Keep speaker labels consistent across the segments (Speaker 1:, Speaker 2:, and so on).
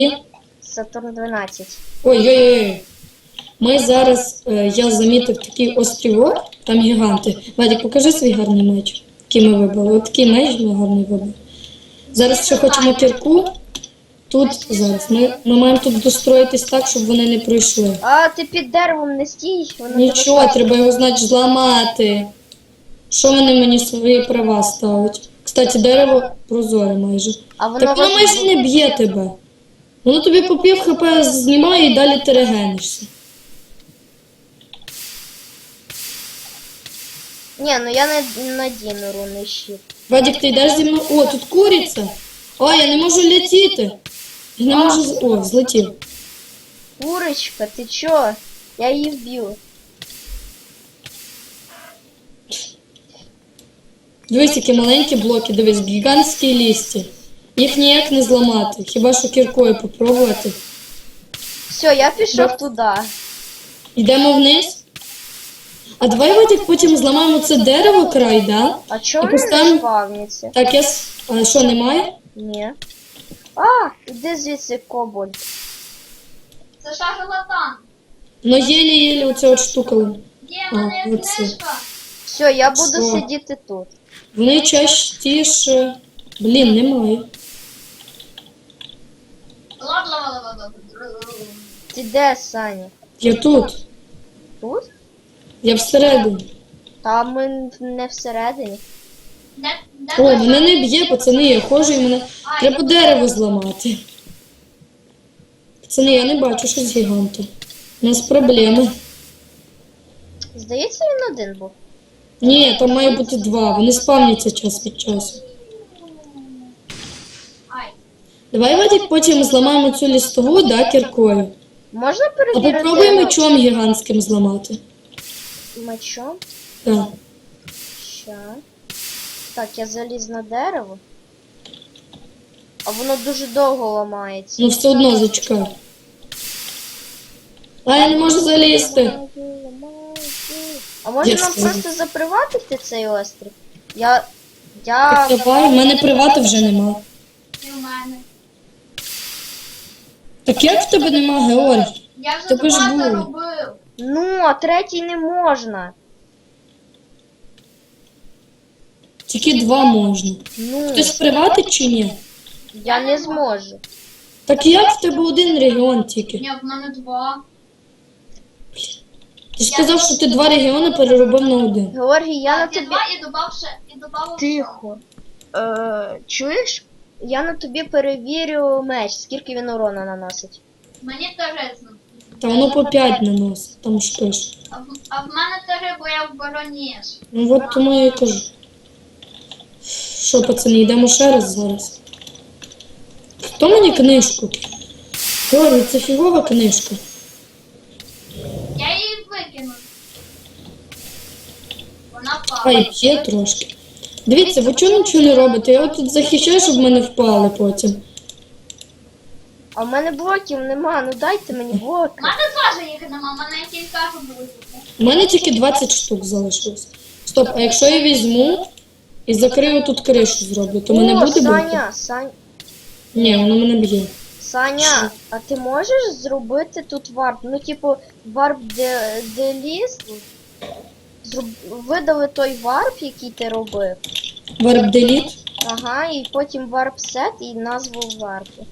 Speaker 1: Сатурн 12.
Speaker 2: Ой-ой-ой. Ми зараз, я замітив такий острівок, там гіганти. Вадик, покажи свій гарний меч, який ми вибрали. От такий меч ми гарний вибрали. Зараз ще хочемо кірку. Тут зараз. Ми маємо тут достроїтись так, щоб вони не пройшли.
Speaker 1: А, ти під деревом не стій. Воно
Speaker 2: Нічого, треба його, значить, зламати. Що вони мені свої права ставить? Кстати, дерево прозоре майже.
Speaker 1: А воно
Speaker 2: Так воно майже не б'є тебе. Воно тобі по пів хп знімає і далі ти регенишся.
Speaker 1: Ні, ну я не надіну рунний щит.
Speaker 2: Вадик, ти йдеш зі мною? О, тут куриця. О, я не можу летіти. Я не можу... О, злетів.
Speaker 1: Курочка, ти чо? Я її вб'ю.
Speaker 2: Дивись, які маленькі блоки, дивись, гігантські лісті. Їх ніяк не зламати, хіба що кіркою попробувати.
Speaker 1: Все, я пішов туди.
Speaker 2: Йдемо вниз. А давай, Вадик, потім зламаємо це дерево край, да?
Speaker 1: А чому
Speaker 2: І
Speaker 1: не
Speaker 2: поставимо-
Speaker 1: спавняться?
Speaker 2: Так, А що, немає?
Speaker 1: Ні. А, іди звідси, кобальт.
Speaker 3: Це шарлатан.
Speaker 2: Ну, єлі-єлі оця от штука.
Speaker 3: Є в мене
Speaker 2: А, оце.
Speaker 3: книжка.
Speaker 1: Все, я буду
Speaker 2: Що?
Speaker 1: сидіти тут.
Speaker 2: Вони частіше... Блін, немає.
Speaker 3: Ла-ла-ла-ла-ла.
Speaker 1: Ти де, Саня?
Speaker 2: Я тут.
Speaker 1: Тут?
Speaker 2: Я всередині.
Speaker 1: Та ми не всередині.
Speaker 3: Де
Speaker 2: О, мене не б'є, пацани, я ходжу і мене... Треба дерево зламати. Пацани, я не бачу, що з гігантом. У нас проблеми.
Speaker 1: Здається, він один був.
Speaker 2: Ні, там має бути два. Вони спавняться час від часу.
Speaker 3: Ай.
Speaker 2: Давай, Вадик, потім зламаємо цю лістову, да, кіркою.
Speaker 1: Можна
Speaker 2: А
Speaker 1: перевірити?
Speaker 2: попробуй мечом гігантським зламати.
Speaker 1: Мечом?
Speaker 2: Так.
Speaker 1: Ща. Так, я заліз на дерево. А воно дуже довго ламається.
Speaker 2: Ну все одно зачекай. А я не можу залізти.
Speaker 1: А може
Speaker 2: Я
Speaker 1: нам
Speaker 2: скажу.
Speaker 1: просто заприватити цей острів? Я...
Speaker 2: Так давай, в мене привати вже нема.
Speaker 3: І в мене.
Speaker 2: Так як в тебе нема, Георгій?
Speaker 3: Я вже
Speaker 2: Тебе ж
Speaker 3: багато
Speaker 2: було.
Speaker 3: робив.
Speaker 1: Ну, а третій не можна.
Speaker 2: Тільки два можна.
Speaker 1: Ну,
Speaker 2: Хтось приватить чи ні?
Speaker 1: я не зможу.
Speaker 2: Так як в тебе один регіон тільки?
Speaker 3: Ні, в мене 2.
Speaker 2: Ти ж сказав, що ти два регіони переробив на один.
Speaker 1: Георгій, я на
Speaker 3: Я
Speaker 1: тобі...
Speaker 3: 2 і добав ще. І добав
Speaker 1: Тихо. Чуєш? Я на тобі перевірю меч, скільки він урона наносить.
Speaker 3: Мені теж.
Speaker 2: Та воно по 5 наносить, там ж пише.
Speaker 3: А в мене теж, бо я в бароніж.
Speaker 2: Ну от тому я і кажу. Що, пацани, йдемо ще раз зараз. Хто мені книжку? Георгій, це фігова книжка.
Speaker 3: Я її викинув. Вона впала.
Speaker 2: Ай, п'є трошки. Дивіться, ви чого нічого не робите? Я от тут захищаю, щоб мене впали потім.
Speaker 1: А в мене блоків нема, ну дайте мені блоки.
Speaker 3: У мене теж їх нема, в мене кілька буде.
Speaker 2: У мене тільки 20 штук залишилось. Стоп, а якщо я візьму і закрию тут кришу зроблю, то мене
Speaker 1: О,
Speaker 2: буде бити? Ні, воно мене б'є.
Speaker 1: Саня, а ти можеш зробити тут варп? Ну, типу, варп деліст. Видали той варп, який ти робив.
Speaker 2: Warp Delete.
Speaker 1: Ага, і потім варп сет і назву варпу.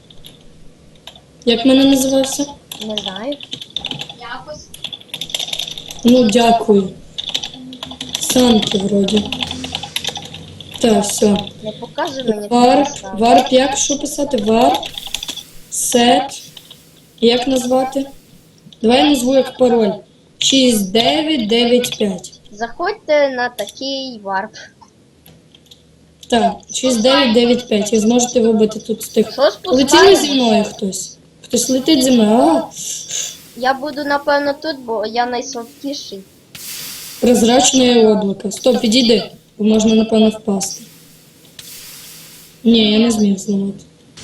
Speaker 2: Як мене називався?
Speaker 1: Не знаю.
Speaker 3: Якось.
Speaker 2: Ну, дякую. Санки вроді. Так, все.
Speaker 1: Не показуй мені
Speaker 2: Варп.
Speaker 1: став.
Speaker 2: Варп, як що писати? Варп. Сет. Як назвати? Давай я назву як пароль. 6995.
Speaker 1: Заходьте на такий варп.
Speaker 2: Так, 6995. Ви зможете вибити тут з тих.
Speaker 1: Що
Speaker 2: Летіли
Speaker 1: спускаєш?
Speaker 2: зі мною хтось. Хтось летить зі мною. А,
Speaker 1: Я буду, напевно, тут, бо я найслабкіший.
Speaker 2: прозрачне облако. Стоп, відійди, бо можна, напевно, впасти. Ні, я не зміг зламати.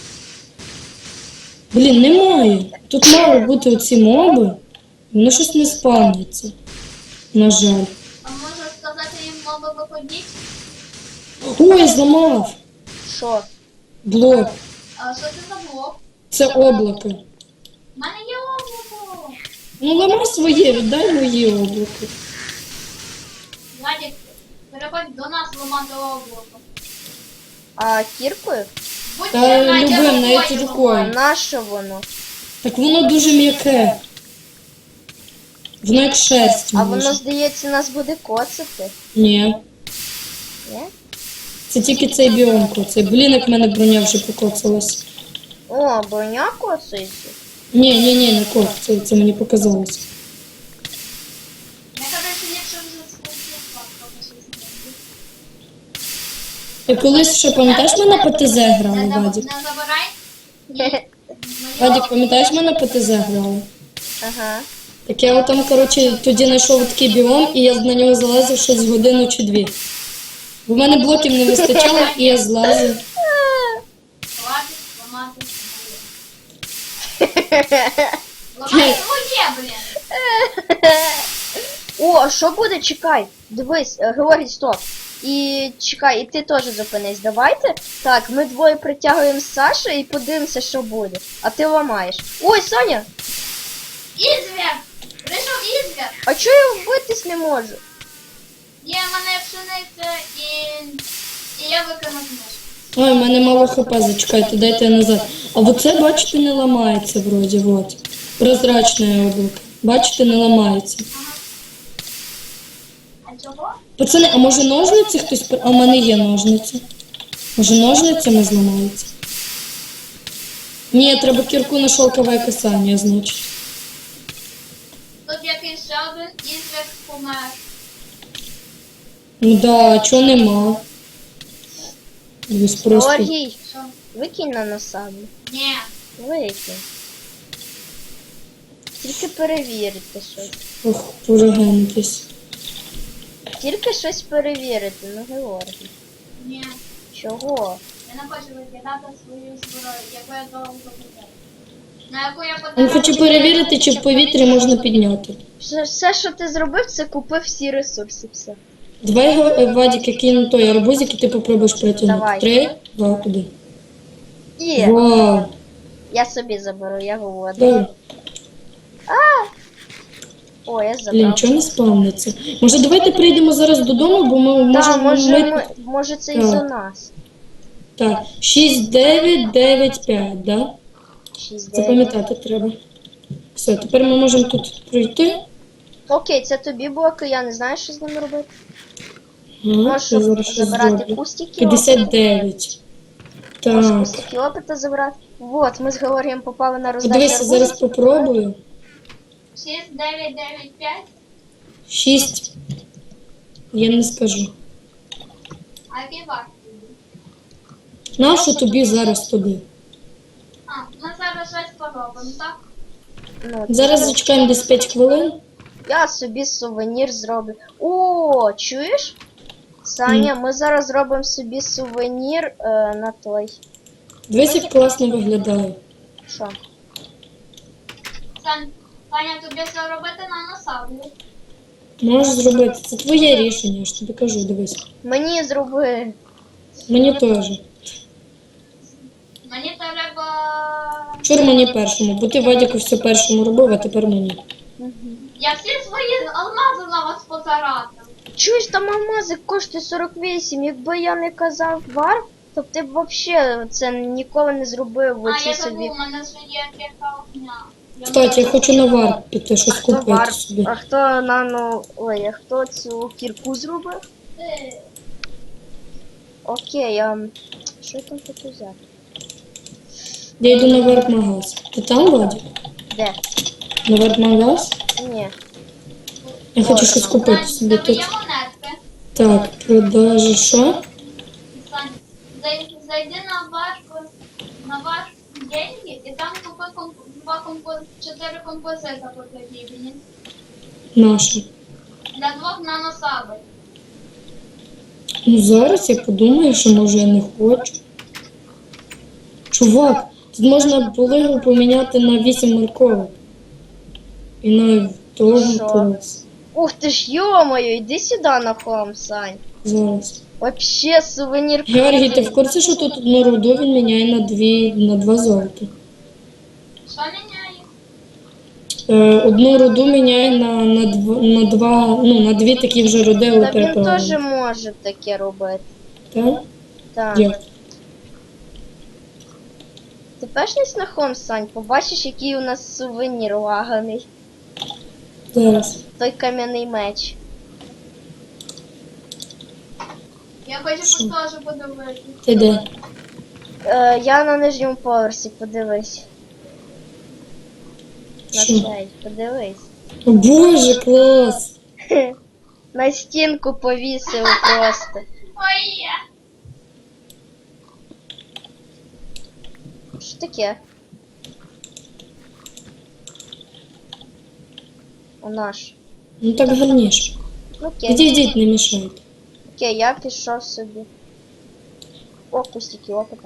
Speaker 2: Блін, немає. Тут мали бути оці моби. Воно щось не спавниться. На жаль.
Speaker 3: А можу сказати їм мови виходіть?
Speaker 2: Ой, зламав.
Speaker 1: Що?
Speaker 2: Блок.
Speaker 3: А що це за блок?
Speaker 2: Це облако.
Speaker 3: У мене є облако.
Speaker 2: Ну ламай своє, віддай моє облако.
Speaker 3: Владик, переходь до нас ламати облако.
Speaker 1: А кіркою?
Speaker 3: Будь
Speaker 2: Та
Speaker 3: Надя,
Speaker 2: любим, навіть
Speaker 3: рукою.
Speaker 1: А
Speaker 2: рукою.
Speaker 1: нащо воно?
Speaker 2: Так воно дуже м'яке. Воно як шерсть.
Speaker 1: А
Speaker 2: може.
Speaker 1: воно, здається, нас буде коцати.
Speaker 2: Ні.
Speaker 1: Ні?
Speaker 2: Це тільки цей біомко. Це, блін, як в мене броня вже покоцалась.
Speaker 1: О, броня коцається.
Speaker 2: Ні, не кот, це мені показалось.
Speaker 3: Я, короче, ліпше вже скупила, поки щось не буде.
Speaker 2: Ти колись ще пам'ятаєш, ми на ПТЗ грали, Вадик?
Speaker 3: Не забирай. Моє
Speaker 2: Вадик, пам'ятаєш, ми на ПТЗ грали?
Speaker 1: Ага.
Speaker 2: Так я там, коротше, тоді знайшов такий біом, і я на нього залазив ще з годину чи дві. Бо в мене блоків не вистачало, і я злазив.
Speaker 3: Хватить ламати своє. Ламай своє, блін.
Speaker 1: О, що буде? Чекай. Дивись, Георгій, стоп. І чекай, і ти теж зупинись. Давайте. Так, ми двоє притягуємо Сашу і подивимося, що буде. А ти ламаєш. Ой, Соня!
Speaker 3: Ізвір! Прийшов ізвір!
Speaker 1: А чого я вбитись не можу?
Speaker 3: Є в мене пшениця і я викину книжку.
Speaker 2: Ой, в мене мало хп, зачекайте, дайте я назад. А оце, бачите, не ламається вроді, вот. Прозрачне облако. Бачите, не ламається.
Speaker 3: А чого?
Speaker 2: Пацани, а може ножниці хтось... А в мене є ножниці. Може ножницями зламається? Ні, треба кірку на шовкове касання, значить.
Speaker 3: Тут якийсь ще один ізвір помер.
Speaker 2: Ну да, чого нема? Дивись, просто...
Speaker 1: Георгій,
Speaker 3: Що?
Speaker 1: викинь на насаду.
Speaker 3: Ні.
Speaker 1: Викинь. Тільки перевірити щось.
Speaker 2: Ох, порогентись.
Speaker 1: Тільки щось перевірити, ну Георгій.
Speaker 3: Ні.
Speaker 1: Чого?
Speaker 3: Я не хочу викидати свою зброю, яку я довго купила. На яку я
Speaker 2: Він
Speaker 3: потратила.
Speaker 2: хоче перевірити, чи в повітрі можна підняти.
Speaker 1: Все, що ти зробив, це купив всі ресурси, все.
Speaker 2: Давай, Вадик, який на той арбузик, і ти попробуєш притягнути.
Speaker 1: Давай.
Speaker 2: 3, 2, 1.
Speaker 1: Є.
Speaker 2: Вау.
Speaker 1: Я собі заберу, я голодна.
Speaker 2: Давай.
Speaker 1: О, я
Speaker 2: Блін,
Speaker 1: забрав.
Speaker 2: чого не спавниться? Може, давайте прийдемо зараз додому, бо ми
Speaker 1: Так,
Speaker 2: можемо...
Speaker 1: може це
Speaker 2: Так.
Speaker 1: із-за нас.
Speaker 2: Так, 6, 9, 9, 5, да?
Speaker 1: 6, 9.
Speaker 2: Запам'ятати треба. Все, тепер ми можемо тут пройти.
Speaker 1: Окей, це тобі блоки, я не знаю, що з ними робити.
Speaker 2: Ага,
Speaker 1: Можеш
Speaker 2: я зараз щось
Speaker 1: забирати
Speaker 2: зроблю.
Speaker 1: кустики.
Speaker 2: 59.
Speaker 1: Можеш
Speaker 2: Так.
Speaker 1: кустики опита забрати. Вот, ми з Георгієм попали на роздачу
Speaker 2: Подивися, зараз
Speaker 1: арбузиків.
Speaker 2: попробую.
Speaker 3: 6, 9, 9, 5.
Speaker 2: 6. Я не скажу.
Speaker 3: А який варт?
Speaker 2: Нащо тобі зараз туди?
Speaker 3: А, ми зараз щось поробимо, так?
Speaker 1: Ну,
Speaker 2: Зараз зачекаємо десь 5 хвилин.
Speaker 1: я собі сувенір зроблю. О, чуєш? Саня, ми зараз зробимо собі сувенір на той.
Speaker 2: Дивись, як класно виглядає.
Speaker 1: Що?
Speaker 3: Саня, тобі все робити на насаду.
Speaker 2: Можеш зробити. Це твоє рішення, я ж тобі кажу, дивись.
Speaker 1: Мені зроби.
Speaker 2: Мені теж.
Speaker 3: Мені треба...
Speaker 2: Вчора мені першому, бо ти Вадіку все першому робив, а тепер мені.
Speaker 3: Я всі свої алмази на вас потаратив.
Speaker 1: Чуєш, там алмазик коштує 48. Якби я не казав вар, то б ти б взагалі це ніколи не зробив.
Speaker 3: А,
Speaker 1: Оці
Speaker 3: я
Speaker 1: собі.
Speaker 3: забув, у мене ж є кілька огня.
Speaker 2: Кстати, я хочу на вар піти, щось
Speaker 1: Хто
Speaker 2: купити
Speaker 1: вар?
Speaker 2: собі.
Speaker 1: А хто нано. Ой, а хто цю кірку зробив?
Speaker 3: Ти.
Speaker 1: Окей, а що я там хочу взяти?
Speaker 2: Я йду на варп-магаз. Ти там, Вадік?
Speaker 1: Де?
Speaker 2: На варп-магаз?
Speaker 1: Ні.
Speaker 2: Я хочу щось купити собі
Speaker 3: Тебе
Speaker 2: тут.
Speaker 3: є монетки?
Speaker 2: Так, продажі що?
Speaker 3: Сань, зайди на ваш деньги і там купи 4 композита потрібні.
Speaker 2: Наші.
Speaker 3: Для 2 наносабель.
Speaker 2: Ну зараз я подумаю, що може я не хочу. Чувак, тут можна було поміняти на 8 морковок. І на того
Speaker 1: Що?
Speaker 2: клас.
Speaker 1: Ух ти ж, йо-моє, іди сюди на хом, Сань.
Speaker 2: Зараз.
Speaker 1: Вообще сувенір.
Speaker 2: Георгій, ти в курсі, що тут одну руду він міняє на 2 золота?
Speaker 3: Що міняє?
Speaker 2: Одну руду міняє на два, ну, на дві такі вже руди, але
Speaker 1: Та він теж
Speaker 2: переправлені.
Speaker 1: може таке робити.
Speaker 2: Так?
Speaker 1: Так.
Speaker 2: Як?
Speaker 1: Ти пешнись на хом, Сань, побачиш, який у нас сувенір лаганий.
Speaker 2: Зараз.
Speaker 1: Той кам'яний меч.
Speaker 3: Я хочу теж подивитися.
Speaker 2: Ти де?
Speaker 1: Я на нижньому поверсі, подивись. На
Speaker 2: Що?
Speaker 1: цей, подивись.
Speaker 2: О, Боже, клас!
Speaker 1: На стінку повісив просто.
Speaker 3: Ой, є.
Speaker 1: Що таке? У наш.
Speaker 2: Ну так гарніше.
Speaker 1: Ну, окей.
Speaker 2: Відійдіть, не мішайте.
Speaker 1: Окей, я пішов собі. О, кустики опыта.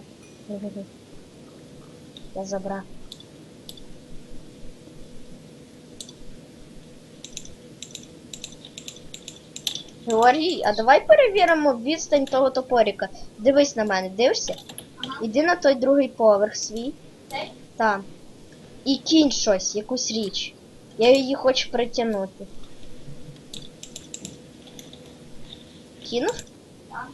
Speaker 1: Я забрав. Георгій, а давай перевіримо відстань того топорика. Дивись на мене, дивишся? Іди на той другий поверх свій.
Speaker 3: Цей?
Speaker 1: Там. І кінь щось, якусь річ. Я її хочу притягнути. Кинув?
Speaker 3: Так.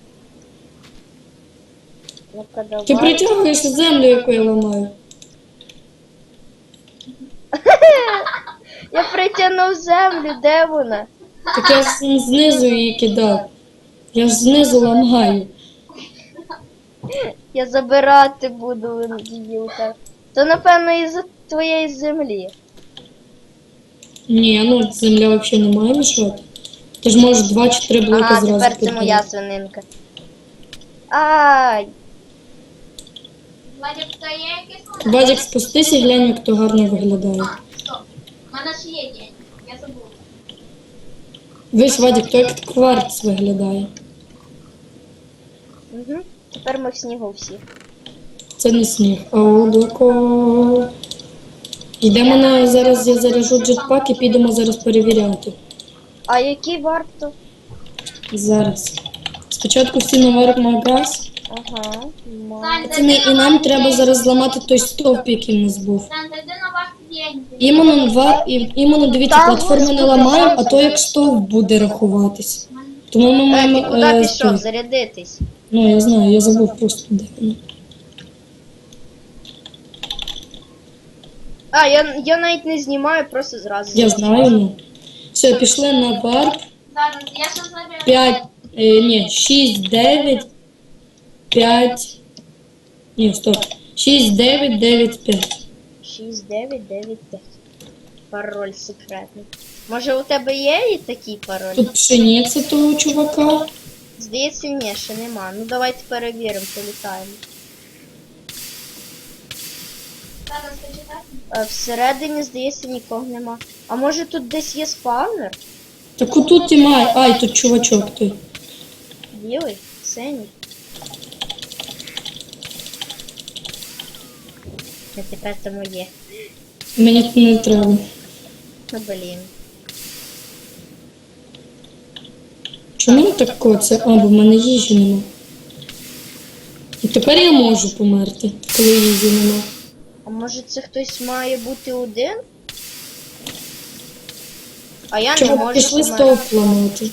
Speaker 1: Ну-ка, давай.
Speaker 2: Ти притягуєш землю, яку я ламаю.
Speaker 1: Я притягнув землю, де вона?
Speaker 2: Так я знизу її кидав. Я ж знизу ламаю.
Speaker 1: Я забирати буду її у тебе. То напевно із-за твоєї землі.
Speaker 2: Ні, ну земля взагалі не має мішати. Ти ж можеш 2 чи 3 блоки
Speaker 1: Ага,
Speaker 2: зразу
Speaker 1: тепер це
Speaker 2: підняти.
Speaker 1: моя свининка. Ай!
Speaker 3: Владик, то є якийсь момент?
Speaker 2: Вадик, спустись і глянь, як то гарно виглядає.
Speaker 3: А, стоп. У мене ж є день. Я забула.
Speaker 2: Весь Вадик, то як кварц виглядає.
Speaker 1: Угу. Тепер ми в снігу всі.
Speaker 2: Це не сніг, а облако. Йдемо на зараз, я заряжу джетпак і підемо зараз перевіряти.
Speaker 1: А який варто?
Speaker 2: Зараз. Спочатку всі наверх магаз.
Speaker 1: Ага.
Speaker 3: Сань,
Speaker 2: Це і нам треба зараз зламати той стовп, який в нас був.
Speaker 3: Сань, зайди на ваш день.
Speaker 2: Іменно дивіться,
Speaker 1: Та,
Speaker 2: платформи не
Speaker 1: господи,
Speaker 2: ламаємо, а
Speaker 1: Сань.
Speaker 2: то як стовп буде рахуватись. Тому ми
Speaker 1: Ти
Speaker 2: маємо.
Speaker 1: куди пішов?
Speaker 2: той.
Speaker 1: Зарядитись.
Speaker 2: Ну, я знаю, я забув просто де воно.
Speaker 1: А, я навіть не знімаю, просто зразу.
Speaker 2: Я знаю, ну. Все, пішли на варп.
Speaker 3: Зараз, я ще заберу.
Speaker 2: 5, ні, 6, 9, 5. Ні, стоп. 6, 9, 9, 5.
Speaker 1: 6, 9, 9, 5. Пароль секретний. Може у тебе є і такий пароль?
Speaker 2: Тут пшениця того чувака.
Speaker 1: Здається, ні, ще нема. Ну давайте перевіримо, політаємо.
Speaker 3: Зараз почитай.
Speaker 1: Всередині, здається, нікого нема. А може тут десь є спавнер?
Speaker 2: Так отут і має. Ай, тут чувачок той.
Speaker 1: Білий? Синій? А тепер це моє.
Speaker 2: Мені тут не треба.
Speaker 1: Ну блін.
Speaker 2: Чому так це? А, бо в мене їжі нема. І тепер я можу померти, коли їжі нема.
Speaker 1: А може це хтось має бути один? А я не
Speaker 2: Чого
Speaker 1: можу
Speaker 2: пішли
Speaker 1: померти.
Speaker 2: стовп ламати?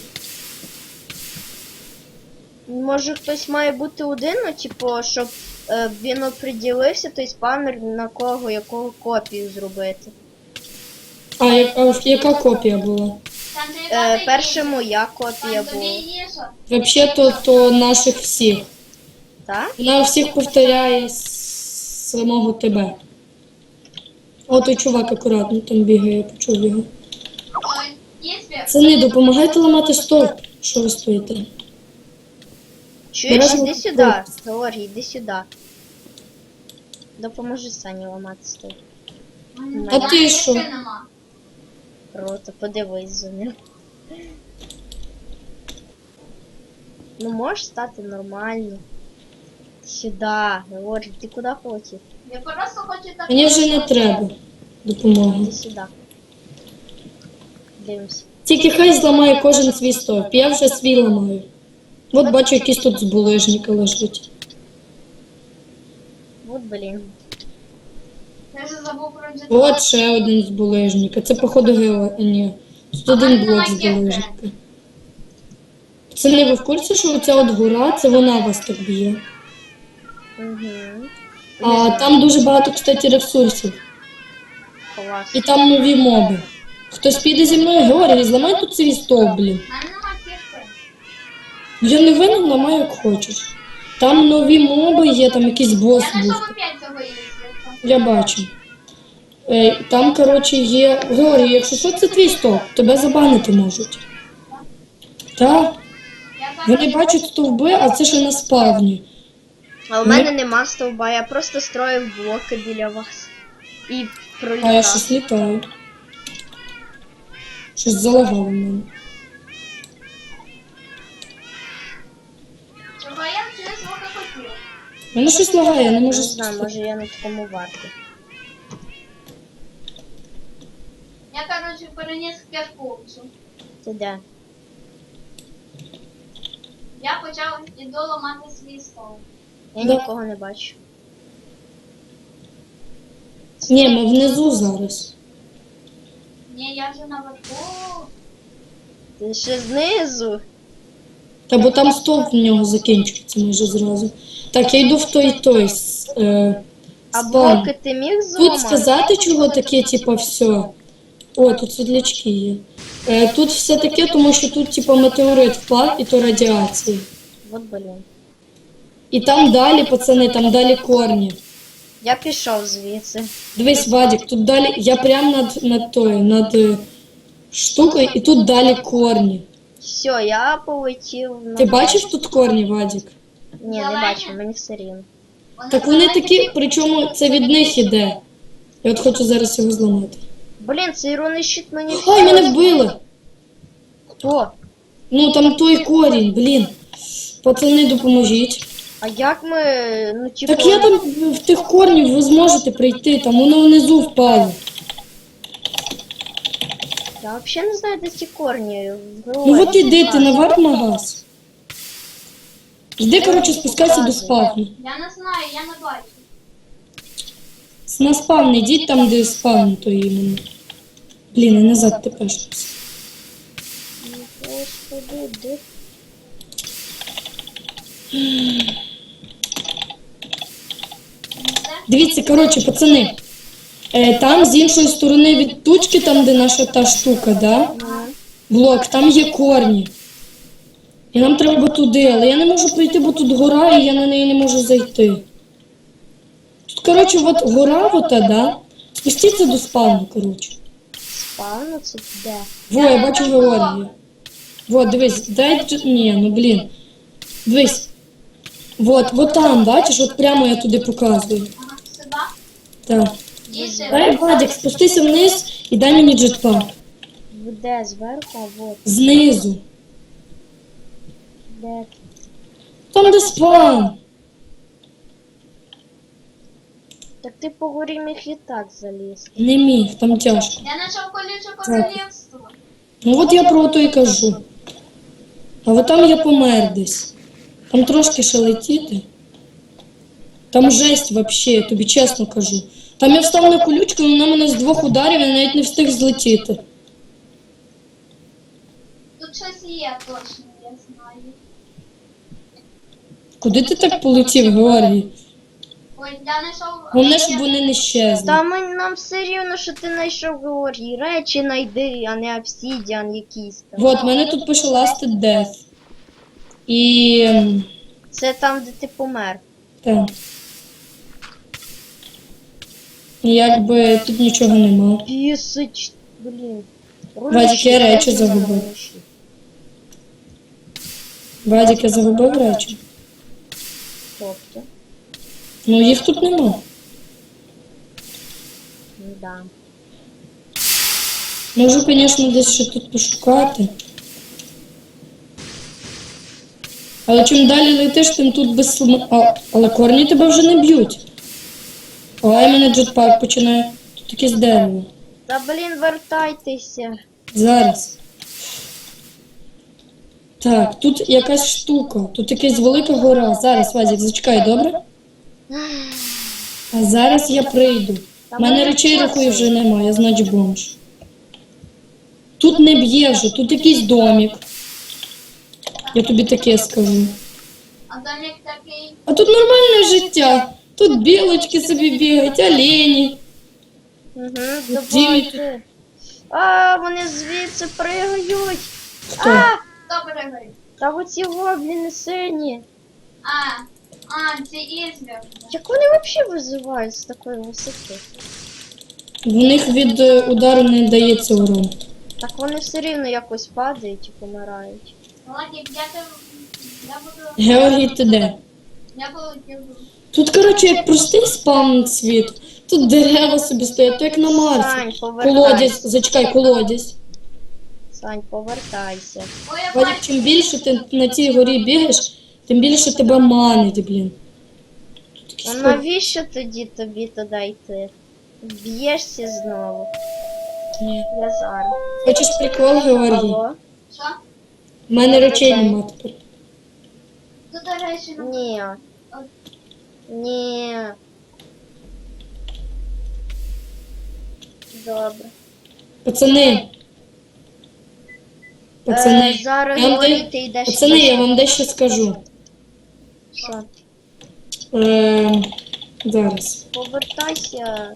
Speaker 1: Може хтось має бути один, ну типу, щоб він оприділився, той спавнер на кого, якого копію зробити.
Speaker 2: А яка копія була?
Speaker 3: Сань, ти яка
Speaker 1: Перша моя копія
Speaker 3: Сань, тобі
Speaker 1: була.
Speaker 3: їжа.
Speaker 2: Взагалі то наших всіх.
Speaker 1: Так?
Speaker 2: Вона всіх повторяє з самого тебе. О, той чувак акуратно там бігає, я почув його.
Speaker 3: Ой, є світ.
Speaker 2: Пацани, допомагайте ламати стовп. Що ви стоїте?
Speaker 1: Чуєш,
Speaker 2: Бережно
Speaker 1: іди сюди.
Speaker 2: копію.
Speaker 1: Георгій, іди сюди. Допоможи Сані ламати стол.
Speaker 2: А ти що?
Speaker 3: Нема.
Speaker 1: Круто, подивись за ним. Ну можеш стати нормально. Сюди, Георгій, ти куди полетів?
Speaker 3: Я просто хочу так.
Speaker 2: Мені вже не треба допомоги.
Speaker 1: Іди сюди. Дивимось.
Speaker 2: Тільки хай зламає кожен свій стовп. Я вже свій ламаю. От бачу, якийсь тут збулежники лежать.
Speaker 1: Вот блін.
Speaker 3: Я вже забув про джетпак.
Speaker 2: От ще один з булижника. Це походу ні. Тут один блок з булижника. Пацани, ви в курсі, що оця от гора, це вона вас так б'є?
Speaker 1: Угу.
Speaker 2: А там дуже багато, кстати, ресурсів.
Speaker 1: Клас.
Speaker 2: І там нові моби. Хтось піде зі мною, Георгій, зламай тут свій стовп, блін.
Speaker 3: У мене нема кірки.
Speaker 2: Я не винен, ламай як хочеш. Там нові моби є, там якийсь бос
Speaker 3: Я
Speaker 2: був.
Speaker 3: знайшов опять цього їздити.
Speaker 2: Я бачу. Там, коротше, є. Георгій, якщо що, це твій стовп, тебе забанити можуть. Так,
Speaker 3: Я
Speaker 2: вони бачать стовби, а це ще на спавні.
Speaker 1: А у мене нема стовба, я просто строїв блоки біля вас. І
Speaker 2: А я
Speaker 1: пролітав.
Speaker 2: щось літаю. Щось залагало в мене.
Speaker 3: Чого я через звука хотів?
Speaker 2: Мене щось лагає, я не
Speaker 1: Не
Speaker 2: можу
Speaker 1: знаю, може я на такому варті.
Speaker 3: Я, коротше, переніс кірку.
Speaker 1: Ти де?
Speaker 3: Я почав іду ламати свій стол.
Speaker 1: Я
Speaker 2: Да.
Speaker 1: нікого не бачу.
Speaker 2: Ні, ми внизу зараз.
Speaker 3: Ні, я вже наверху.
Speaker 1: Ти ще знизу.
Speaker 2: Та бо там стовп в нього закінчується майже зразу. Так, я йду в той
Speaker 1: А
Speaker 2: спам.
Speaker 1: блоки ти міг
Speaker 2: Тут
Speaker 1: зламати?
Speaker 2: сказати, чого таке, типа, все. О, тут світлячки є. Тут все таке, тому що тут, типа, метеорит впав, і то радіація.
Speaker 1: От блін.
Speaker 2: І там далі, пацани, там далі корні.
Speaker 1: Я пішов звідси.
Speaker 2: Дивись, Вадик, тут далі, я прям над штукою, і тут далі корні.
Speaker 1: Все, я полетів на.
Speaker 2: Ти бачиш тут корні, Вадик?
Speaker 1: Ні, не бачу, мені все рівно.
Speaker 2: Так вони такі, причому це від них іде. Я от хочу зараз його зламати.
Speaker 1: Блін, цей рунний щит мені.
Speaker 2: Ой, мене вбили!
Speaker 1: Хто?
Speaker 2: Ну там той корінь, блін. Пацани, допоможіть.
Speaker 1: А як ми. Ну, типу.
Speaker 2: Так я там в тих корнів ви зможете прийти, там воно внизу впало.
Speaker 1: Я взагалі не знаю, де ці корні.
Speaker 2: Ну от іди, ти на варп-магаз. Йди, коротше, спускайся до спавну.
Speaker 3: Я не знаю, я не бачу.
Speaker 2: На спавн йдіть там, де спавн, то іменно. Блін, і назад тепер.
Speaker 1: Господи, де?
Speaker 2: Дивіться, коротше, пацани. Там з іншої сторони від тучки, там де наша та штука, да? Блок, там є корні. І нам треба туди, але я не можу пройти, бо тут гора, і я на неї не можу зайти. Тут, коротше, от гора, ота, да? Спустіться до спавну, коротше.
Speaker 1: Спавну це де?
Speaker 2: Во, я бачу Георгія. Вот, дивись, дай... Ні, ну блін. Дивись. Вот там, бачиш, от прямо я туди показую.
Speaker 3: Ага, сюди.
Speaker 2: Так.
Speaker 3: І сюди.
Speaker 2: Дай, Вадик, спустися вниз і дай мені джетпак.
Speaker 1: Де зверху, а вот.
Speaker 2: Знизу.
Speaker 1: Де?
Speaker 2: Там, де спавн.
Speaker 1: Так ти по горі міг і так залізти.
Speaker 2: Не міг, там тяжко.
Speaker 3: Я знайшов колюче королівство.
Speaker 2: Ну от я про то і кажу. А от там я помер десь. Там трошки ще летіти. Там жесть вообще, я тобі чесно кажу. Там я встав на колючку, вона мене з 2 ударів, я навіть не встиг злетіти.
Speaker 3: Тут щось є точно, я знаю.
Speaker 2: Куди ти так полетів, Георгій?
Speaker 3: Ой, я знайшов...
Speaker 2: Головне, щоб вони не щезли.
Speaker 1: Та нам все рівно, що ти знайшов Георгій. Речі знайди, а не обсідіан якийсь там.
Speaker 2: Вот, мене тут пише Last Death. І...
Speaker 1: Це там, де ти помер.
Speaker 2: Так. Якби тут нічого нема.
Speaker 1: Пісич, блін.
Speaker 2: Вадик, я речі загубив. Вадик, я загубив речі.
Speaker 1: Тобто,
Speaker 2: Ну їх тут нема.
Speaker 1: ну да.
Speaker 2: Можу, звісно, десь ще тут пошукати. Але чим далі летиш, тим тут без але корні тебе вже не б'ють. Ой, мене джетпак починає. Тут якесь дерево.
Speaker 1: Та блін, вертайтеся.
Speaker 2: Зараз. Так, тут якась штука. Тут якась велика гора. Зараз, Вазік, зачекай, добре? А зараз я прийду.
Speaker 1: Та
Speaker 2: У мене
Speaker 1: ми
Speaker 2: речей
Speaker 1: не
Speaker 2: рахую вже
Speaker 1: клацали.
Speaker 2: немає, значить бомж. Тут не б'є вже, тут якийсь домик. Я тобі таке скажу.
Speaker 3: А домик такий.
Speaker 2: А тут нормальне життя. Тут білочки собі бігають, олені.
Speaker 1: Угу,
Speaker 2: Дімі
Speaker 1: давайте. А, вони звідси пригають.
Speaker 2: Хто?
Speaker 1: А,
Speaker 3: Хто перегорів?
Speaker 1: та оці гобліни сині.
Speaker 3: Це ізбір.
Speaker 1: Як вони взагалі визивають з такої висоти?
Speaker 2: В них від удару не дається урон.
Speaker 1: Так вони все рівно якось падають і помирають.
Speaker 3: Владик, я буду.
Speaker 2: Георгій, ти де?
Speaker 3: Я полетів.
Speaker 2: Тут, коротше, як простий спам світ. Тут дерева собі стоять, як на Марсі.
Speaker 1: Сань, повертайся.
Speaker 2: Колодязь, зачекай, колодязь.
Speaker 1: Сань, повертайся.
Speaker 3: Ой, я
Speaker 2: Вадик,
Speaker 3: бачу.
Speaker 2: чим більше ти на цій горі бігаєш, тим більше тебе манить, блін. Тут
Speaker 1: А
Speaker 2: якісь
Speaker 1: навіщо тоді тобі туди йти? Б'єшся знову.
Speaker 2: Ні.
Speaker 1: Я зараз.
Speaker 2: Хочеш прикол, Георгій?
Speaker 1: Алло?
Speaker 3: Що?
Speaker 2: У мене речей нема тепер.
Speaker 3: Тут, до речі,
Speaker 1: Ні. Ні. Добре.
Speaker 2: Пацани. Пацани,
Speaker 1: Зараз
Speaker 2: я вам
Speaker 1: Георгій,
Speaker 2: де-
Speaker 1: ти йдеш.
Speaker 2: пацани, я вам дещо скажу.
Speaker 1: Що?
Speaker 2: Зараз.
Speaker 1: Повертайся.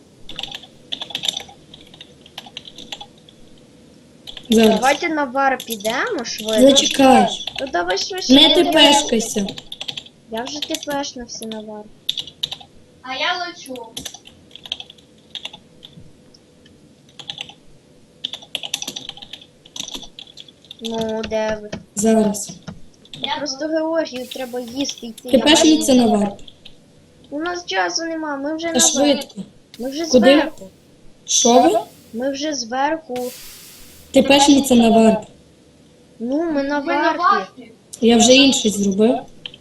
Speaker 2: Зараз.
Speaker 1: Давайте на бар підемо швидко.
Speaker 2: Зачекай.
Speaker 1: Ну давай швидше.
Speaker 2: Не тепешкайся.
Speaker 1: Я вже тепешнувся на бар.
Speaker 3: А я лечу.
Speaker 1: Ну, де ви?
Speaker 2: Зараз.
Speaker 3: Я
Speaker 1: Просто Георгію треба їсти йти.
Speaker 2: Тепешніться на варп.
Speaker 1: У нас часу нема, ми вже
Speaker 2: Та
Speaker 1: на бар.
Speaker 2: швидко.
Speaker 1: Ми вже
Speaker 2: Куди?
Speaker 1: зверху.
Speaker 2: Що ви?
Speaker 1: Ми вже зверху.
Speaker 2: Тепешніться на варп.
Speaker 1: Ну, ми на
Speaker 3: Ви на
Speaker 1: варфі.
Speaker 3: варфі?
Speaker 2: Я вже інший зробив.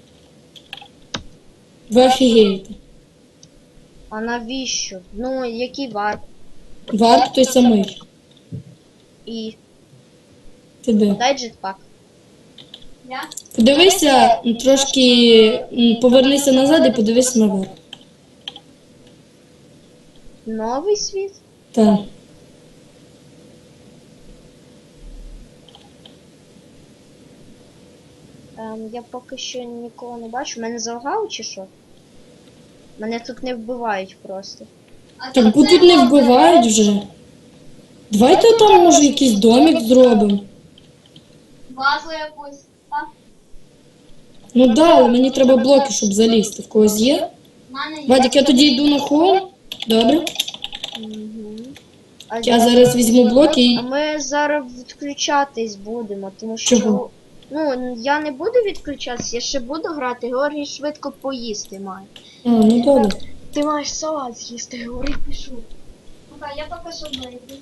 Speaker 2: Ви офігієте.
Speaker 1: А навіщо? Ну, який варп?
Speaker 2: Варп той самий.
Speaker 1: І
Speaker 2: Ти де?
Speaker 1: дай джетпак.
Speaker 3: Я?
Speaker 2: Подивися, трошки повернися назад і подивися на варп.
Speaker 1: Новий світ?
Speaker 2: Так.
Speaker 1: Я поки що нікого не бачу. Мене залагало чи що? Мене тут не вбивають просто.
Speaker 3: А
Speaker 2: Так бо тут не вбивають вже. Давайте там, може, якийсь домик зробимо.
Speaker 3: Базу якусь. Так?
Speaker 2: Ну да, але мені треба блоки, щоб залізти. В когось є?
Speaker 3: В мене є.
Speaker 2: Вадик, я тоді йду на холм. Добре.
Speaker 1: Угу. А,
Speaker 2: Я зараз візьму блоки і.
Speaker 1: а ми зараз відключатись будемо, тому що.
Speaker 2: Чого?
Speaker 1: Ну, я не буду відключатися, я ще буду грати, Георгій швидко поїсти має.
Speaker 2: А, ну добре.
Speaker 1: Ти маєш салат з'їсти, Георгій пішов.
Speaker 3: Ну-ка, я поки що вийду.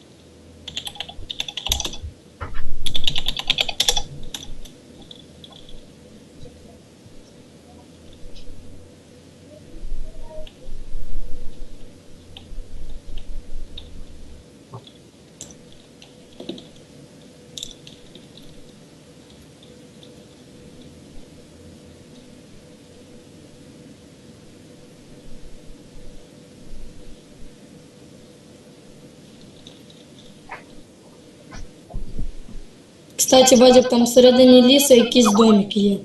Speaker 2: Кстати, Вадик, там всередині лісу якийсь домик є.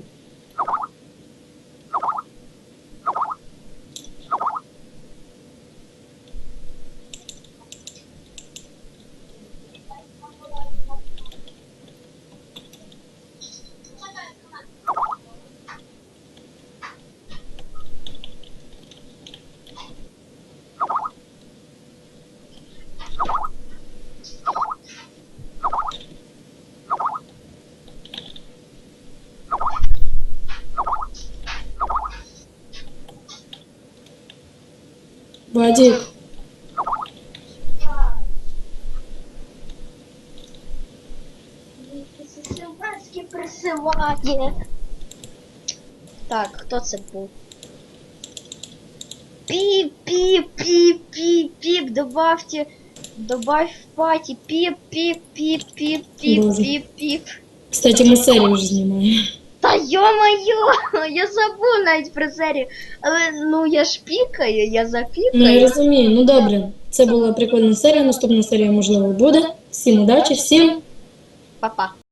Speaker 2: Вадик,
Speaker 1: Сильверські присилає. Так, хто це був? Піп, піп, піп, піп, піп, добавь в паті, піп, піп, піп, піп, піп,
Speaker 2: Боже.
Speaker 1: піп, піп.
Speaker 2: кстати, ми серію вже знімаємо.
Speaker 1: Та йо-моє, я забув навіть про серію. Але ну я ж пікаю, я
Speaker 2: Ну я
Speaker 1: запікаю.
Speaker 2: розумію, ну добре. Це була прикольна серія. Наступна серія, можливо, буде. Всім удачі, всім.
Speaker 1: Па-па.